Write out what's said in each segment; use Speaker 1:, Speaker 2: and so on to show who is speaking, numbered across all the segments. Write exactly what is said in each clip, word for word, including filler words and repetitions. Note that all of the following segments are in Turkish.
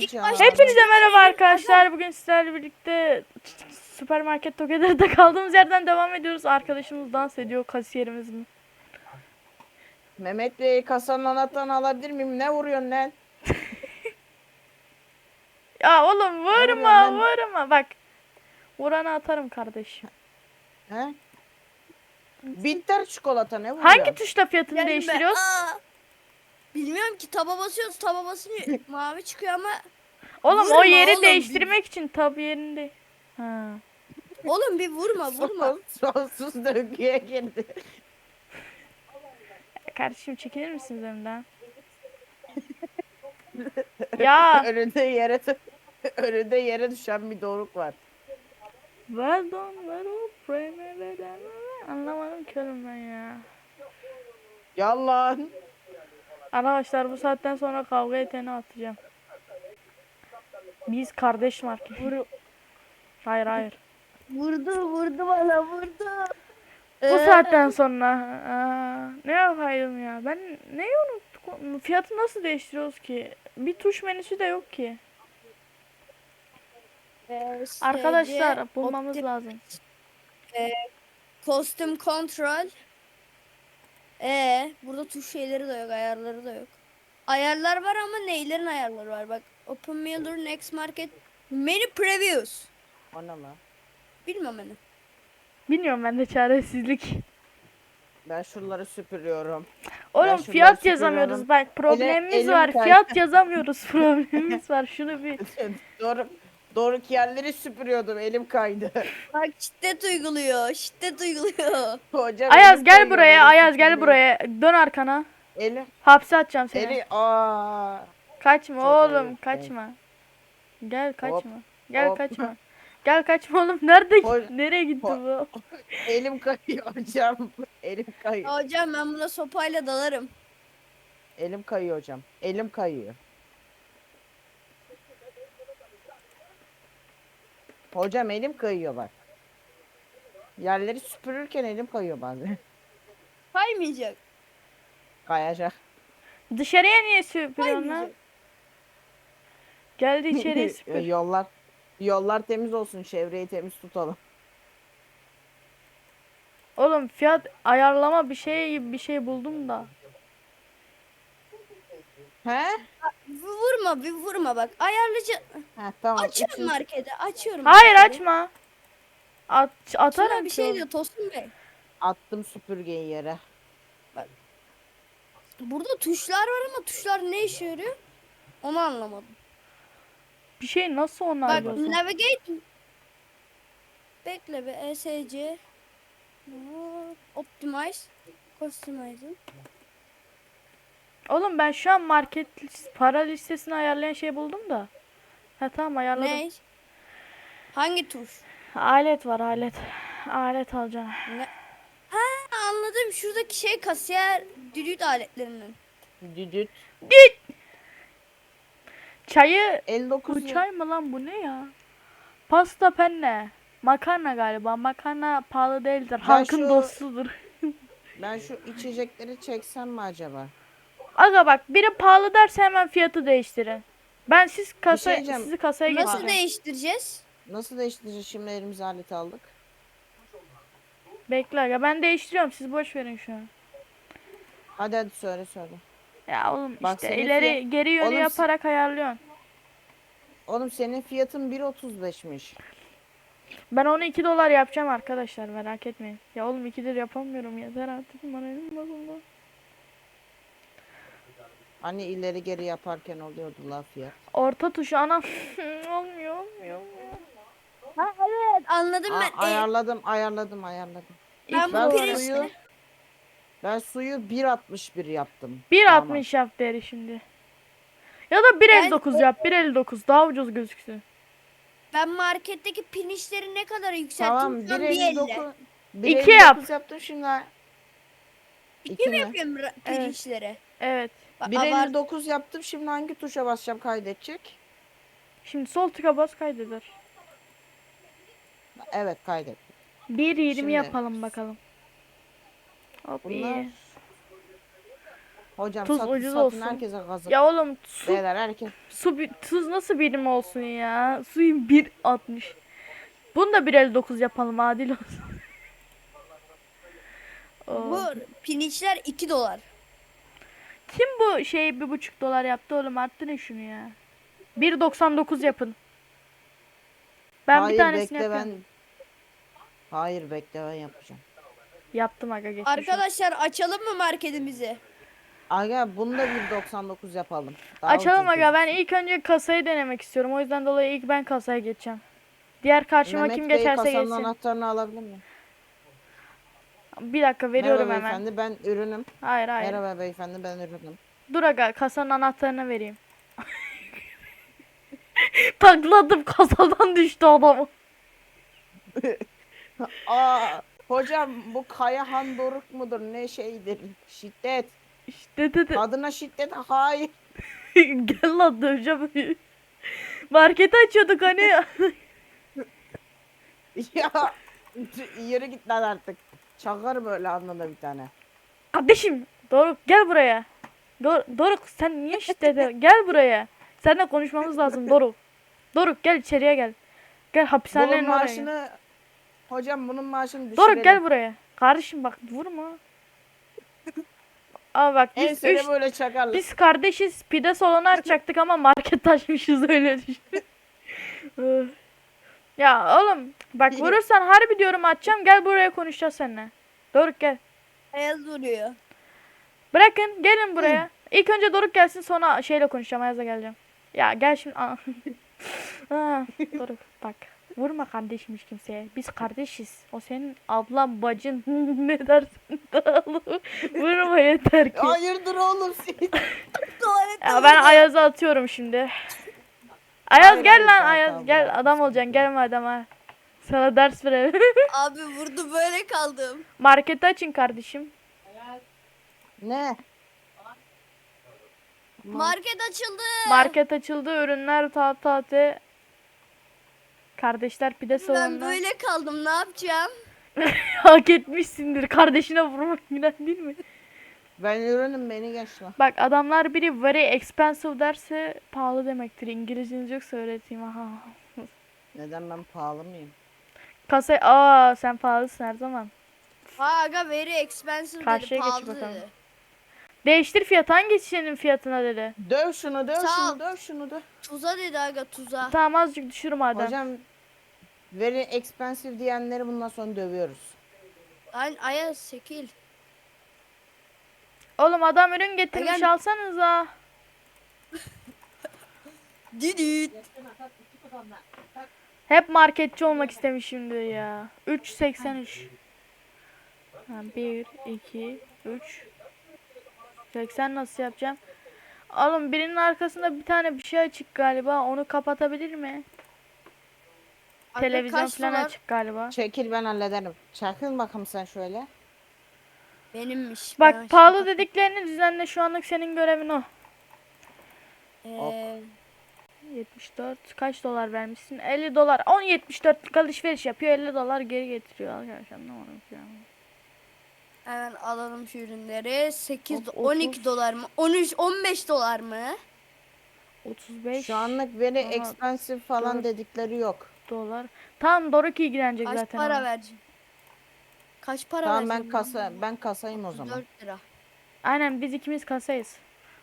Speaker 1: alacağım.
Speaker 2: Hepinize merhaba arkadaşlar. Bugün sizlerle birlikte süpermarket Together'da kaldığımız yerden devam ediyoruz. Arkadaşımız dans ediyor, kasiyerimiz mi?
Speaker 1: Mehmet Bey, kasanın anahtarını alabilir miyim? Ne vuruyorsun lan?
Speaker 2: Ya oğlum
Speaker 1: Ne vuruyorsun
Speaker 2: vurma
Speaker 1: lan?
Speaker 2: vurma bak. Vuranı atarım kardeşim.
Speaker 1: He? Bitter çikolata ne vuruyor?
Speaker 2: Hangi tuşla fiyatını
Speaker 3: Yani ben-
Speaker 2: değiştiriyoruz?
Speaker 3: Aa, bilmiyorum ki taba basıyoruz taba basınca mavi çıkıyor ama
Speaker 2: Oğlum
Speaker 3: vurma
Speaker 2: o yeri
Speaker 3: oğlum,
Speaker 2: değiştirmek için tabi yerinde. Ha.
Speaker 3: oğlum bir vurma vurma.
Speaker 1: Son- Sonsuz döngüye girdi.
Speaker 2: Kardeşim çekilir misiniz önümden? Ya.
Speaker 1: Önünde yere önünde yere düşen bir doruk var.
Speaker 2: Well done, well done, anlamadım ki oğlum ben ya.
Speaker 1: Yalan.
Speaker 2: Arkadaşlar bu saatten sonra kavga eteni atacağım. Biz kardeş market.
Speaker 3: Vur,
Speaker 2: Hayır hayır.
Speaker 3: vurdu vurdu bana vurdu.
Speaker 2: Bu
Speaker 3: Ee,
Speaker 2: saatten sonra aa, ne yapayım ya? Ben neyi unuttum? Fiyatı nasıl değiştiriyoruz ki? Bir tuş menüsü de yok ki.
Speaker 3: e,
Speaker 2: Arkadaşlar
Speaker 3: şeyci,
Speaker 2: bulmamız
Speaker 3: opti-
Speaker 2: lazım.
Speaker 3: Costume control. Ee, burada tuş şeyleri de yok, ayarları da yok. Ayarlar var ama neylerin ayarları var? Bak, Open Miller, Next Market, Menu Previews.
Speaker 1: O ne lan?
Speaker 3: Bilmem hani.
Speaker 2: Bilmiyorum ben de çaresizlik.
Speaker 1: Ben şuraları süpürüyorum.
Speaker 2: Oğlum
Speaker 1: şunları
Speaker 2: fiyat
Speaker 1: süpürüyorum.
Speaker 2: yazamıyoruz. Bak problemimiz
Speaker 1: elim
Speaker 2: var.
Speaker 1: kay-
Speaker 2: Fiyat yazamıyoruz. Problemimiz var. Şunu bir
Speaker 1: Doruk, Doruk yerleri süpürüyordum. Elim kaydı.
Speaker 3: Bak şiddet uyguluyor, şiddet uyguluyor.
Speaker 1: Hocam
Speaker 2: Ayaz
Speaker 1: elim
Speaker 2: gel
Speaker 1: kayıyor,
Speaker 2: buraya.
Speaker 1: benim
Speaker 2: Ayaz gel
Speaker 1: süpürmeyi.
Speaker 2: buraya. Dön arkana.
Speaker 1: Elim,
Speaker 2: Hapse atacağım seni.
Speaker 1: eli, aa.
Speaker 2: Kaçma
Speaker 1: Çok
Speaker 2: oğlum,
Speaker 1: ayıp.
Speaker 2: kaçma. Gel kaçma.
Speaker 1: Hop,
Speaker 2: Gel
Speaker 1: hop.
Speaker 2: kaçma. Gel kaçma oğlum. Nerede?
Speaker 1: Hol-
Speaker 2: Nereye gitti
Speaker 1: hol-
Speaker 2: bu?
Speaker 1: Elim kayıyor hocam. Elim kayıyor.
Speaker 3: Ya hocam ben buna sopayla dalarım.
Speaker 1: Elim kayıyor hocam. Elim kayıyor. Hocam elim kayıyor bak. Yerleri süpürürken elim kayıyor bazen.
Speaker 3: Kaymayacak.
Speaker 1: Kayacak.
Speaker 2: Dışarıya niye süpürüyorsun lan?
Speaker 3: Kaymayacak.
Speaker 2: Geldi içeriye süpür.
Speaker 1: Yollar yollar temiz olsun. Çevreyi temiz tutalım.
Speaker 2: Oğlum fiyat ayarlama bir şey gibi bir şey buldum da.
Speaker 1: He?
Speaker 3: Bir vurma bir vurma bak. Ayarlıcı.
Speaker 1: Ha tamam.
Speaker 3: Açıyorum
Speaker 1: İçin-
Speaker 3: markete. Açıyorum.
Speaker 2: Hayır
Speaker 3: marketi.
Speaker 2: açma. At, atarım
Speaker 3: Sana bir
Speaker 2: ki
Speaker 3: şey
Speaker 2: oğlum.
Speaker 3: diyor Tosun Bey.
Speaker 1: Attım süpürgeyi yere.
Speaker 3: Burada tuşlar var ama tuşlar ne işe yarıyor? Onu anlamadım.
Speaker 2: Bir şey nasıl onlar
Speaker 3: Bak
Speaker 2: diyorsun?
Speaker 3: navigate. Bekle be E S C. Optimize. Customize.
Speaker 2: Oğlum ben şu an market lis- para listesini ayarlayan şey buldum da. Ha tamam ayarladım.
Speaker 3: Ne? Hangi tuş?
Speaker 2: Alet var alet. Alet alacağım.
Speaker 3: Ne? Ha anladım. Şuradaki şey kasiyer düdüğü aletlerinin.
Speaker 1: Düdüt.
Speaker 2: Çayı
Speaker 1: elli dokuz.
Speaker 2: bu çay mı lan bu ne ya? Pasta penne. Makarna galiba. Makarna pahalı değildir. Halkın
Speaker 1: şu-
Speaker 2: dostudur.
Speaker 1: Ben şu içecekleri çeksem mi acaba?
Speaker 2: Aga bak biri pahalı derse hemen fiyatı değiştirin. Ben siz kasa
Speaker 1: şey diyeceğim.
Speaker 2: sizi kasaya
Speaker 3: Nasıl
Speaker 2: getireceğim.
Speaker 3: değiştireceğiz?
Speaker 1: Nasıl değiştireceğiz şimdi elimize alet aldık?
Speaker 2: Bekle aga ben değiştiriyorum siz boş verin şu an.
Speaker 1: Hadi hadi söyle söyle.
Speaker 2: Ya oğlum
Speaker 1: Bak
Speaker 2: işte
Speaker 1: senin
Speaker 2: ileri
Speaker 1: fiyat-
Speaker 2: geri yönü
Speaker 1: Oğlum
Speaker 2: yaparak ayarlıyorsun.
Speaker 1: Oğlum senin fiyatın bir otuz beşmiş.
Speaker 2: Ben onu iki dolar yapacağım arkadaşlar merak etmeyin. Ya oğlum iki lira yapamıyorum yeter artık bana elim bozuldu.
Speaker 1: Hani ileri geri yaparken oluyordu la fiyat.
Speaker 2: Orta tuşu anam olmuyor olmuyor olmuyor.
Speaker 3: Ha evet anladım
Speaker 1: Aa,
Speaker 3: ben. E,
Speaker 1: ayarladım ayarladım ayarladım.
Speaker 3: ben
Speaker 1: Ben
Speaker 3: bu
Speaker 1: suyu
Speaker 3: pirinçleri.
Speaker 1: ben suyu bir altmış bir yaptım.
Speaker 2: bir
Speaker 1: Tamam.
Speaker 2: altmış yap deri şimdi. Ya da bir elli dokuz
Speaker 3: Ben-
Speaker 2: yap bir elli dokuz daha ucuz gözüksün.
Speaker 3: Ben marketteki pirinçleri ne kadar yükselttim?
Speaker 1: Tamam
Speaker 3: Şu an
Speaker 1: bir
Speaker 3: bir
Speaker 1: elli
Speaker 3: elli.
Speaker 1: dokuz.
Speaker 2: İki yap.
Speaker 1: yaptım şimdi. ha.
Speaker 3: İki
Speaker 1: İki
Speaker 3: mi
Speaker 1: mi?
Speaker 3: yapıyorum ra-
Speaker 2: Evet.
Speaker 3: pirinçleri?
Speaker 2: Evet.
Speaker 3: Bak,
Speaker 1: bir
Speaker 3: abart-
Speaker 1: elli dokuz yaptım şimdi hangi tuşa basacağım kaydedecek?
Speaker 2: Şimdi sol tıka bas kaydeder.
Speaker 1: Evet kaydet.
Speaker 2: bir yirmi
Speaker 1: Şimdi-
Speaker 2: yapalım bakalım. Hop
Speaker 1: Bunlar-
Speaker 2: iyi.
Speaker 1: Hocam
Speaker 2: Tuz
Speaker 1: satın
Speaker 2: ucuz
Speaker 1: satın
Speaker 2: olsun.
Speaker 1: herkese kazık.
Speaker 2: Ya oğlum su,
Speaker 1: Beyler herkes.
Speaker 2: su bi- tuz nasıl birim olsun ya? Suyun bir altmış. Bunu da bir elli dokuz yapalım adil olsun.
Speaker 3: Bu
Speaker 2: Oo.
Speaker 3: pirinçler iki dolar.
Speaker 2: Kim bu şeyi bir buçuk dolar yaptı oğlum, arttırın şunu ya. bir doksan dokuz yapın. Ben
Speaker 1: Hayır
Speaker 2: bir tanesini
Speaker 1: bekle
Speaker 2: yapıyorum.
Speaker 1: ben. Hayır bekle ben yapacağım.
Speaker 2: Yaptım aga, geçmiş olsun.
Speaker 3: Arkadaşlar açalım mı marketimizi?
Speaker 1: Aga bunu da bir doksan dokuz yapalım. Daha
Speaker 2: Açalım
Speaker 1: ucuz
Speaker 2: aga, ben
Speaker 1: gözüksün.
Speaker 2: ilk önce kasayı denemek istiyorum. O yüzden dolayı ilk ben kasaya geçeceğim. Diğer karşıma
Speaker 1: Mehmet
Speaker 2: kim
Speaker 1: Bey
Speaker 2: geçerse
Speaker 1: kasanın
Speaker 2: geçsin.
Speaker 1: anahtarını alabilir miyim?
Speaker 2: Bir dakika veriyorum
Speaker 1: Merhaba
Speaker 2: hemen.
Speaker 1: beyefendi ben ürünüm.
Speaker 2: Hayır hayır.
Speaker 1: Merhaba beyefendi ben ürünüm.
Speaker 2: Dur aga, kasanın anahtarını vereyim. Takladım, kasadan düştü adam.
Speaker 1: Aa hocam bu Kayahan Doruk mudur ne şeydir? Şiddet.
Speaker 2: İşte dedi.
Speaker 1: Kadına şiddet hayır.
Speaker 2: Gel lan döveceğim. Marketi açıyorduk hani.
Speaker 1: Ya yürü git lan artık. Çakar böyle alnında bir tane.
Speaker 2: Kardeşim Doruk gel buraya. Dor Doruk sen niye şiddete gel buraya. Seninle konuşmamız lazım Doruk. Doruk gel içeriye gel. Gel
Speaker 1: Bunun
Speaker 2: hapishanenin oraya.
Speaker 1: maaşını hocam bunun maaşını düşürelim.
Speaker 2: Doruk gel buraya. Kardeşim bak vurma. Aa bak biz
Speaker 1: Ensene
Speaker 2: üç,
Speaker 1: böyle çakarlar.
Speaker 2: biz kardeşiz, pide salonu açacaktık ama market açmışız öyle düşün. Öf. Ya oğlum bak vurursan harbi diyorum açacağım, gel buraya konuşacağız seninle. Doruk gel.
Speaker 3: Ayaz vuruyor.
Speaker 2: Bırakın gelin buraya. İlk önce Doruk gelsin, sonra şeyle konuşacağım, Ayaz'a geleceğim. Ya gel şimdi. Aa. Aa, Doruk bak. Vurma kardeşmiş kimseye. Biz kardeşiz. O senin ablan, bacın, ne dersin? Vurma yeter ki.
Speaker 1: Hayırdır oğlum siz?
Speaker 3: Tuvalette
Speaker 2: Ya ben
Speaker 3: vurdu.
Speaker 2: Ayaz'ı atıyorum şimdi. Ayaz
Speaker 1: Hayır,
Speaker 2: gel
Speaker 1: hayır,
Speaker 2: lan
Speaker 1: tamam,
Speaker 2: Ayaz
Speaker 1: tamam,
Speaker 2: gel,
Speaker 1: bırak.
Speaker 2: adam olacaksın, gelme adama. Sana ders verelim.
Speaker 3: Abi vurdu böyle kaldım.
Speaker 2: Marketi açın kardeşim.
Speaker 1: Ne?
Speaker 3: Market açıldı.
Speaker 2: Market açıldı, ürünler ta tate. Kardeşler pide
Speaker 3: Ben
Speaker 2: salonunda.
Speaker 3: böyle kaldım, ne yapacağım?
Speaker 2: Hak etmişsindir. Kardeşine vurmak günah değil mi?
Speaker 1: Ben ürünüm beni geç lan.
Speaker 2: Bak adamlar biri very expensive derse pahalı demektir. İngilizceniz yoksa öğreteyim. Aha.
Speaker 1: Neden ben pahalı mıyım?
Speaker 2: Kasaya aa sen pahalısın her zaman.
Speaker 3: Ha aga very expensive
Speaker 2: Karşıya
Speaker 3: dedi,
Speaker 2: geç
Speaker 3: pahalı
Speaker 2: bakalım.
Speaker 3: dedi.
Speaker 2: Değiştir fiyat, hangi şişenin fiyatına dedi.
Speaker 1: Döv şunu döv
Speaker 3: Sağ ol.
Speaker 1: şunu döv şunu döv.
Speaker 3: Tuza dedi aga, tuza.
Speaker 2: Tamam azıcık düşür madem.
Speaker 1: Hocam very expensive diyenleri bundan sonra dövüyoruz.
Speaker 3: Ay Ayaz sekil.
Speaker 2: Oğlum adam ürün getirmiş,
Speaker 3: Aga-
Speaker 2: alsanıza.
Speaker 3: Didit.
Speaker 2: Hep marketçi olmak istemişimdir ya. üç seksen üç. Ha, bir, iki, üç. seksen nasıl yapacağım? Oğlum birinin arkasında bir tane bir şey açık galiba. Onu kapatabilir mi?
Speaker 3: Aga
Speaker 2: Televizyon
Speaker 3: kaç
Speaker 2: falan
Speaker 3: dolar?
Speaker 2: açık galiba.
Speaker 1: Çekil ben hallederim. Çakıl bakalım sen şöyle.
Speaker 3: Benimmiş.
Speaker 2: Bak
Speaker 3: ben
Speaker 2: pahalı
Speaker 3: işte-
Speaker 2: dediklerini düzenle, şu anlık senin görevin o.
Speaker 3: Ee,
Speaker 2: yetmiş dört kaç dolar vermişsin? elli dolar. on yetmiş dörtlük alışveriş yapıyor, elli dolar geri getiriyor. Arkadaşlar anlamadım ki yani.
Speaker 3: hemen alalım şu ürünleri. sekiz,
Speaker 2: Of,
Speaker 3: on iki
Speaker 2: otuz.
Speaker 3: dolar mı? on üç, on beş dolar mı?
Speaker 2: otuz beş
Speaker 1: Şu anlık very
Speaker 2: Aha,
Speaker 1: expensive falan
Speaker 2: dört.
Speaker 1: dedikleri yok.
Speaker 2: dolar. Tamam Doruk ilgilenecek
Speaker 3: Kaç
Speaker 2: zaten.
Speaker 3: para
Speaker 2: ona.
Speaker 3: vereceğim? Kaç para
Speaker 1: Tamam ben
Speaker 3: vereceğim?
Speaker 1: kasa ben kasayım o zaman.
Speaker 3: dört lira.
Speaker 2: Aynen biz ikimiz kasayız.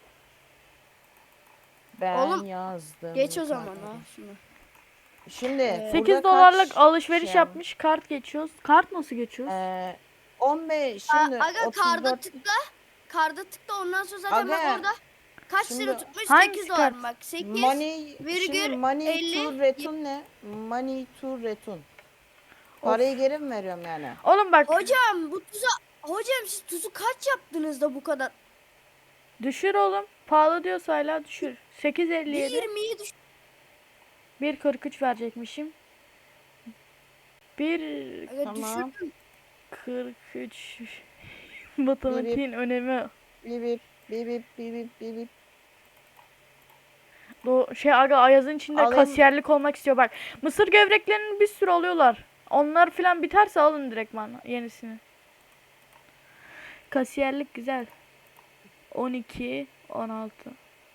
Speaker 1: Ben
Speaker 3: Oğlum,
Speaker 1: yazdım.
Speaker 3: Geç o zaman
Speaker 1: kaderi.
Speaker 3: ha şunu.
Speaker 1: Şimdi
Speaker 3: Ee,
Speaker 2: sekiz
Speaker 1: burada
Speaker 2: dolarlık
Speaker 1: kaç
Speaker 2: alışveriş
Speaker 1: şey
Speaker 2: yapmış. Kart geçiyoruz. Kart nasıl geçiyoruz?
Speaker 1: Ee, on beş
Speaker 3: Aa,
Speaker 1: şimdi
Speaker 3: aga
Speaker 1: otuz
Speaker 3: karda
Speaker 1: dört
Speaker 3: tıkla. Karda tıkla, ondan sonra zaten bak
Speaker 1: Aga,
Speaker 3: orada kaç
Speaker 1: şimdi
Speaker 3: lira tutmuş?
Speaker 2: hangisi
Speaker 3: sekiz dolar
Speaker 2: kart?
Speaker 3: mı bak? sekiz.
Speaker 1: money
Speaker 3: virgül
Speaker 1: şimdi money
Speaker 3: elli,
Speaker 1: to return ne? Money to return. Parayı geri mi veriyorum yani?
Speaker 2: Oğlum bak
Speaker 3: Hocam bu tuza hocam siz tuzu kaç yaptınız da bu kadar?
Speaker 2: düşür oğlum. Pahalı diyorsa hala düşür. sekiz elli yedi.
Speaker 3: yirmiyi düş.
Speaker 2: bir kırk üç verecekmişim. bir
Speaker 3: Aga
Speaker 1: Tamam.
Speaker 3: düşürdüm.
Speaker 2: kırk üç. Matematiğin önemi.
Speaker 1: Bip bip bip bip bip bip bip bip.
Speaker 2: O şey aga Ayaz'ın içinde
Speaker 1: Alayım.
Speaker 2: kasiyerlik olmak istiyor bak. Mısır gevreklerinin bir sürü alıyorlar. Onlar filan biterse alın direktman yenisini. Kasiyerlik güzel. on iki, on altı.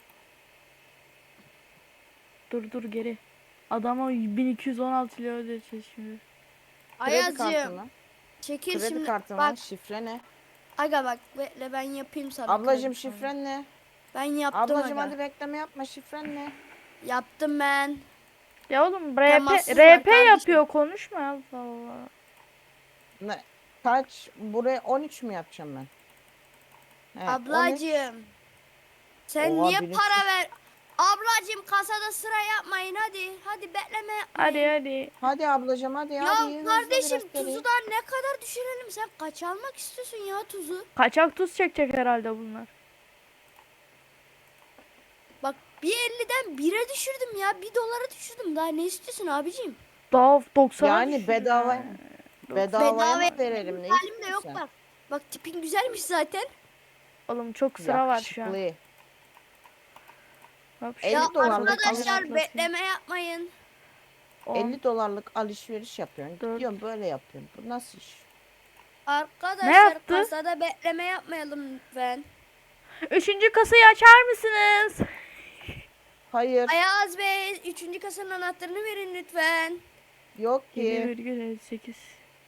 Speaker 2: Dur dur geri. Adama bin iki yüz on altı lira ödeyeceğiz şimdi.
Speaker 1: Kredi kartı
Speaker 3: Ayazcığım
Speaker 1: mı?
Speaker 3: çekil
Speaker 1: Kredi
Speaker 3: şimdi.
Speaker 1: kartı mı?
Speaker 3: Bak
Speaker 1: Şifre ne?
Speaker 3: aga bak bekle ben yapayım sana.
Speaker 1: Ablacım
Speaker 3: kredi kartı.
Speaker 1: şifren ne?
Speaker 3: Ben yaptım
Speaker 1: Ablacım
Speaker 3: aga.
Speaker 1: hadi bekleme yapma, şifren ne?
Speaker 3: Yaptım ben.
Speaker 2: Ya oğlum R P,
Speaker 3: Temassız var
Speaker 2: R P
Speaker 3: kardeşim.
Speaker 2: yapıyor konuşma ya. Allah Allah.
Speaker 1: Ne? Kaç? Buraya on üç mü yapacağım ben? He, on üç.
Speaker 3: Ablacığım. Sen
Speaker 1: Oha,
Speaker 3: niye
Speaker 1: bilinç-
Speaker 3: para ver? Ablacığım kasada sıra yapmayın hadi. Hadi bekleme yapmayın.
Speaker 2: Hadi hadi.
Speaker 1: Hadi ablacım hadi
Speaker 3: Ya
Speaker 1: hadi. hızlı
Speaker 3: kardeşim
Speaker 1: biraz
Speaker 3: tuzu
Speaker 1: seri.
Speaker 3: da ne kadar düşürelim? Sen kaç almak istiyorsun ya tuzu?
Speaker 2: Kaçak tuz çekecek herhalde bunlar.
Speaker 3: Bak bir elliden bire düşürdüm ya. Bir dolara düşürdüm. Daha ne istiyorsun abicim?
Speaker 2: Daha doksan.
Speaker 1: Yani bedava bedavaya
Speaker 3: Bedava
Speaker 1: mı verelim ne
Speaker 3: halim de yok
Speaker 1: istiyorsun?
Speaker 3: bak. Bak tipin güzelmiş zaten.
Speaker 2: Oğlum çok sıra var şu an.
Speaker 1: Yakışıklı.
Speaker 2: Hop,
Speaker 1: elli
Speaker 3: Ya
Speaker 1: dolarlık
Speaker 3: arkadaşlar
Speaker 2: alışveriş.
Speaker 3: bekleme yapmayın.
Speaker 2: on.
Speaker 1: elli dolarlık alışveriş yapıyorsun.
Speaker 2: Dört.
Speaker 1: Gidiyorsun böyle yapıyorsun. Bu nasıl iş?
Speaker 3: Arkadaşlar
Speaker 2: yaptı?
Speaker 3: kasada bekleme yapmayalım lütfen.
Speaker 2: Üçüncü kasayı açar mısınız?
Speaker 1: Hayır.
Speaker 3: Ayaz Bey üçüncü kasanın anahtarını verin lütfen.
Speaker 1: Yok
Speaker 2: yedi
Speaker 1: ki.
Speaker 2: virgül elli sekiz.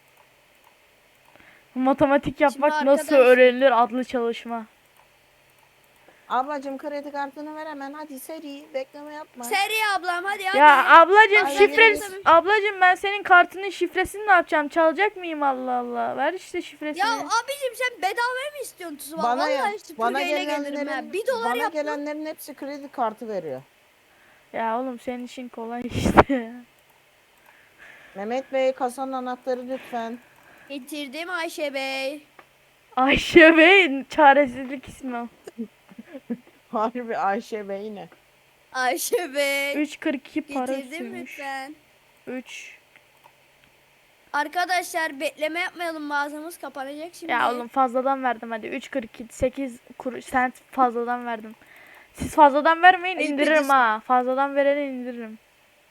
Speaker 2: Matematik yapmak nasıl
Speaker 3: arkadaşlar-
Speaker 2: öğrenilir adlı çalışma.
Speaker 1: Ablacım kredi kartını ver hemen. Hadi seri. Bekleme yapma.
Speaker 3: Seri ablam hadi hadi.
Speaker 2: Ya ablacım
Speaker 1: Ay,
Speaker 2: şifre
Speaker 1: yürü.
Speaker 2: ablacım ben senin kartının şifresini ne yapacağım? Çalacak mıyım Allah Allah? Ver işte şifresini.
Speaker 3: Ya abicim sen bedava mı istiyorsun tuzu?
Speaker 1: Bana
Speaker 3: Vallahi
Speaker 1: bana
Speaker 3: süpürgeyle gelirim
Speaker 1: gelenlerin
Speaker 3: ha. Bir dolar
Speaker 1: bana
Speaker 3: yap.
Speaker 1: gelenlerin hepsi kredi kartı veriyor.
Speaker 2: Ya oğlum senin işin kolay işte.
Speaker 1: Mehmet Bey kasanın anahtarı lütfen.
Speaker 3: Getirdim Ayşe Bey.
Speaker 2: Ayşe Bey çaresizlik ismi o.
Speaker 1: Harbi Ayşe Bey yine.
Speaker 3: Ayşe Bey.
Speaker 2: üç kırk iki para
Speaker 3: Getirdim
Speaker 2: üstüymüş.
Speaker 3: lütfen.
Speaker 2: üç.
Speaker 3: Arkadaşlar bekleme yapmayalım mağazamız kapanacak şimdi.
Speaker 2: Ya oğlum fazladan verdim hadi. üç kırk iki sekiz kuruş sent fazladan verdim. Siz fazladan vermeyin
Speaker 3: Ayıp
Speaker 2: indiririm
Speaker 3: ediyorsun.
Speaker 2: ha. Fazladan vereni indiririm.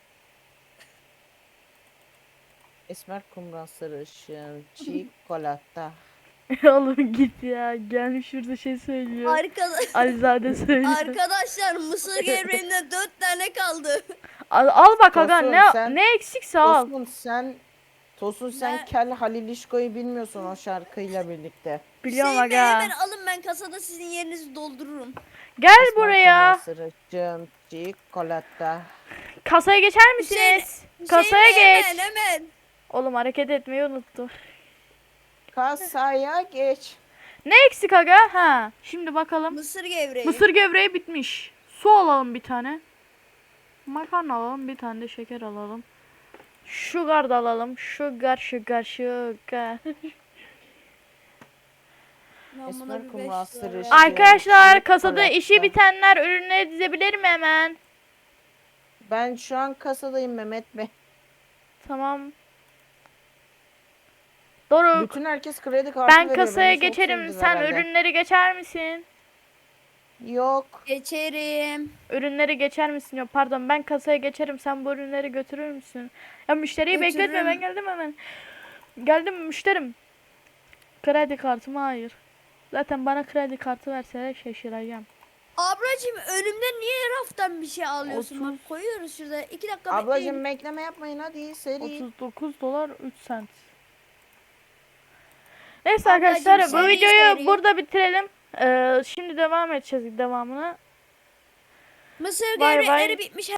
Speaker 1: Esmer kumral sarışın çikolata.
Speaker 2: Oğlum git ya. Gelmiş şurada şey söylüyor.
Speaker 3: Arkadaş
Speaker 2: Alizade söylüyor.
Speaker 3: Arkadaşlar mısır gevreğinden dört tane kaldı.
Speaker 2: Al, al bak aga
Speaker 1: Tosun,
Speaker 2: ne
Speaker 1: sen-
Speaker 2: ne eksikse al.
Speaker 1: Tosun sen Tosun sen
Speaker 3: Ben-
Speaker 1: Kel Halilişko'yu bilmiyorsun o şarkıyla birlikte.
Speaker 2: Biliyorum
Speaker 3: Hüseyin Bey,
Speaker 2: aga.
Speaker 3: hemen alın ben kasada sizin yerinizi doldururum.
Speaker 2: Gel
Speaker 1: Esmer
Speaker 2: buraya.
Speaker 1: kumral sarışın çikolata.
Speaker 2: Kasaya geçer misiniz?
Speaker 3: Hüseyin
Speaker 2: Kasaya
Speaker 3: Bey,
Speaker 2: geç.
Speaker 3: Hemen hemen.
Speaker 2: Oğlum hareket etmeyi unuttu.
Speaker 1: Kasaya geç.
Speaker 2: Ne eksik aga? Ha. Şimdi bakalım.
Speaker 3: Mısır gevreği.
Speaker 2: Mısır gevreği bitmiş. Su alalım bir tane. Makarna alalım bir tane de şeker alalım. Sugar da alalım. Sugar sugar sugar.
Speaker 3: Ben buna
Speaker 1: Esmer
Speaker 3: bir
Speaker 1: kumral
Speaker 3: beş dolar
Speaker 1: sarışın.
Speaker 3: verdim.
Speaker 2: Arkadaşlar
Speaker 1: Çikolata.
Speaker 2: kasada işi bitenler ürünleri dizebilir mi hemen?
Speaker 1: Ben şu an kasadayım Mehmet Bey.
Speaker 2: Tamam. Doruk.
Speaker 1: Bütün herkes kredi kartı
Speaker 2: Ben
Speaker 1: veriyor.
Speaker 2: kasaya
Speaker 1: Beni çok
Speaker 2: geçerim.
Speaker 1: sevdiler
Speaker 2: Sen
Speaker 1: herhalde.
Speaker 2: ürünleri geçer misin?
Speaker 1: Yok.
Speaker 3: Geçerim.
Speaker 2: Ürünleri geçer misin? Yok pardon ben kasaya geçerim. Sen bu ürünleri götürür müsün? Ya müşteriyi bekletme ben
Speaker 3: Götürürüm.
Speaker 2: geldim hemen. Geldim müşterim. Kredi kartımı hayır. Zaten bana kredi kartı verseler şaşıracağım.
Speaker 3: Ablacığım önümden niye raftan bir şey alıyorsun?
Speaker 2: Otuz.
Speaker 3: Bak koyuyoruz şurada. iki dakika
Speaker 1: Ablacım
Speaker 3: bekleyin.
Speaker 1: bekleme yapmayın hadi seri.
Speaker 2: otuz dokuz dolar üç sent. Neyse
Speaker 3: Ablacığım,
Speaker 2: arkadaşlar bu
Speaker 3: seri
Speaker 2: videoyu
Speaker 3: seri.
Speaker 2: burada bitirelim. Ee, şimdi devam edeceğiz devamını.
Speaker 3: Mısır
Speaker 2: Bay bay.
Speaker 3: gevrekleri bitmiş.